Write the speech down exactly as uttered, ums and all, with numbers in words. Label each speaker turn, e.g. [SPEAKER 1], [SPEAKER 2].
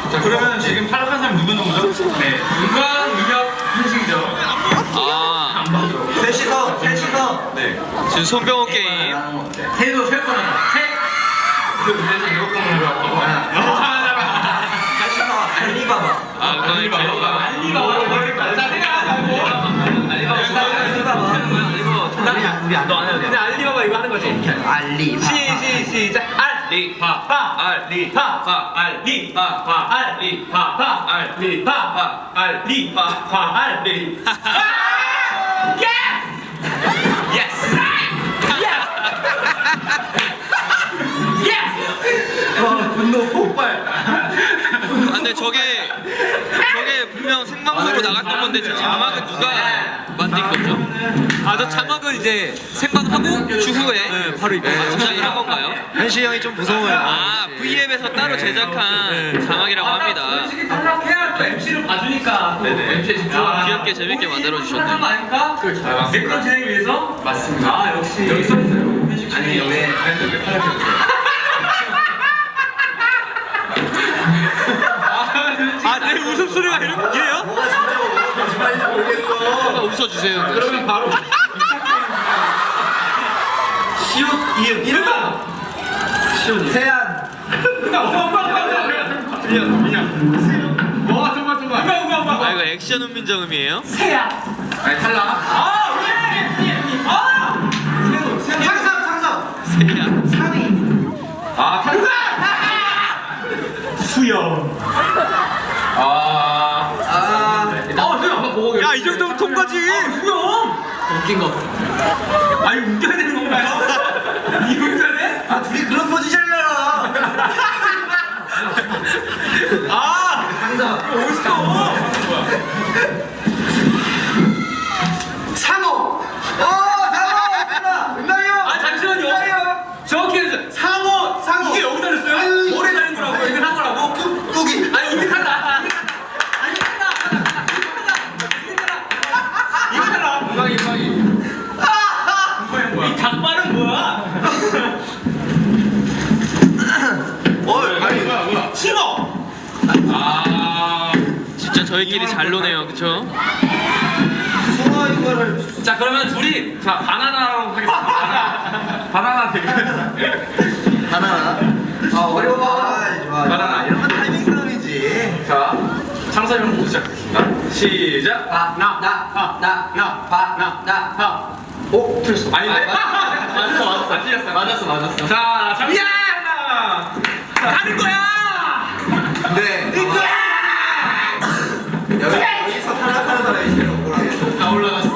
[SPEAKER 1] 자, 그러면 지금 탈락한 사람 누구 누구죠? 네, 은광, 민혁, 현식이죠.
[SPEAKER 2] 아,
[SPEAKER 1] 안 봐줘.
[SPEAKER 3] 셋이서 셋이서.
[SPEAKER 1] 네.
[SPEAKER 2] 지금 손병호 게임.
[SPEAKER 1] 세도 세 번 하자. 세. 그 문제에서 일곱 번 하는 거야.
[SPEAKER 3] 셋이서 알리바바.
[SPEAKER 2] 아, 은광이 제일.
[SPEAKER 1] 알리바바. 자, 생각하고. 알리바바.
[SPEAKER 3] 우리 안
[SPEAKER 1] 너안 해도 돼. 근데 알리바바 이거 하는 거지?
[SPEAKER 3] 알리.
[SPEAKER 1] 시, 시, 시작. 알리바바. 알리바바. 알리바바. 알리바바. 알리바바. 알리바바. 알리바바. 예스! 예스!
[SPEAKER 3] 와 분노 폭발.
[SPEAKER 2] 아, 근데 저게 저게 분명 생방송으로 나갔던 건데 저 자막은 누가 만든 거죠? 아, 저 자막은 이제 생방하고 주후에 바로 이렇게 제작을 한 건가요?
[SPEAKER 3] 현시 형이 좀 무서워요.
[SPEAKER 2] 아, 브이앱에서 따로 제작한 자막이라고 합니다.
[SPEAKER 1] 탈락해야 또 엠씨를 봐주니까. 네네. 엠씨에 집중하라.
[SPEAKER 2] 귀엽게 재밌게 만들어 주셨네요.
[SPEAKER 1] 거 아닙니까? 그렇죠. 매끄러운 진행을 위해서? 맞습니다. 아, 역시. 여기 써있어요.
[SPEAKER 3] 아니 왜?
[SPEAKER 1] 왜 탈락했어요?
[SPEAKER 2] 아, 내 웃음소리가 이래요?
[SPEAKER 3] 뭐가 진짜고 뭐가 거짓말인지 모르겠어.
[SPEAKER 2] 웃어주세요.
[SPEAKER 1] 그러면 바로 시옷 이음 이름은
[SPEAKER 3] 세안.
[SPEAKER 1] 민영 민영 뭐가 정말 정말 누가 누가 누가
[SPEAKER 2] 아, 이거 액션 훈민정음이에요?
[SPEAKER 1] 세야 아니 탈락 아 왜? 아 세우 세우
[SPEAKER 3] 창섭 창섭.
[SPEAKER 2] 세야.
[SPEAKER 3] 상위.
[SPEAKER 1] 아 탈락 수영 아
[SPEAKER 3] 아.
[SPEAKER 1] 어 수영 한번 보고
[SPEAKER 2] 야, 이 정도면 통과지.
[SPEAKER 1] 수영 웃긴 거 아니 웃겨야 되는 건가요? 이거 웃겨야 돼?
[SPEAKER 3] 아 둘이 그런 포지션이잖아.
[SPEAKER 1] 아
[SPEAKER 3] 창섭.
[SPEAKER 1] 어딨어
[SPEAKER 3] 상호. 어 상호. 은나요.
[SPEAKER 1] 아 잠시만요. 정확히 해주세요. 상어 상어 이게 여기 달렸어요? 오래 달린 거라고 이게 한 거라고?
[SPEAKER 3] 여기.
[SPEAKER 1] 아니 이게 달라. 아니 달라. 이거 달라. 이거 이거 이 닭발은 뭐야?
[SPEAKER 3] 어 아니.
[SPEAKER 1] 싱어. 아.
[SPEAKER 2] 진짜 저희끼리 잘 노네요, 그쵸?
[SPEAKER 3] 숭어 이거를.
[SPEAKER 1] 자 그러면 둘이 자 바나나로 하겠습니다. 바나나. 바나나 되게.
[SPEAKER 3] 바나나. 아 어려워. 아, 좋아.
[SPEAKER 1] 바나나.
[SPEAKER 3] 이런 건 타이밍 싸움이지.
[SPEAKER 1] 자 창섭이 형부터 시작하겠습니다. 시작.
[SPEAKER 3] 바나나바나나바나나.
[SPEAKER 1] 오 틀렸어. 아닌데?
[SPEAKER 3] 아,
[SPEAKER 1] 맞았어 맞았어. 안 틀렸어. 맞았어 맞았어. 자 잠시만. 가는 거야.
[SPEAKER 3] 네. 여기 여기서 탈락하는 사람이 제일 억울하게.
[SPEAKER 1] 다 올라갔어.